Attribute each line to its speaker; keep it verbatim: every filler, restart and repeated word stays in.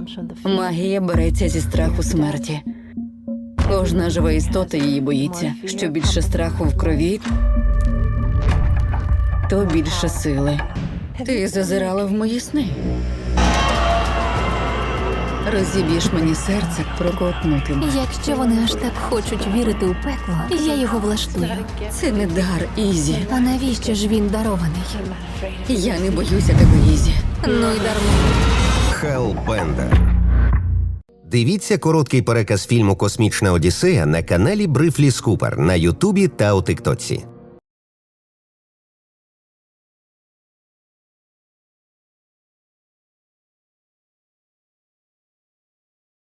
Speaker 1: Магія береться зі страху смерті. Кожна жива істота її боїться. Що більше страху в крові, то більше сили. Ти зазирала в мої сни. Розіб'єш мені серце проковтнутим.
Speaker 2: Якщо вони аж так хочуть вірити у пекло, я його влаштую.
Speaker 1: Це не дар, Ізі.
Speaker 2: А навіщо ж він дарований?
Speaker 1: Я не боюся тебе, Ізі.
Speaker 2: Ну й дарма.
Speaker 3: Хеллбендер. Дивіться короткий переказ фільму «Космічна Одіссея» на каналі Брифлі Скупер на Ютубі та у Тиктоці.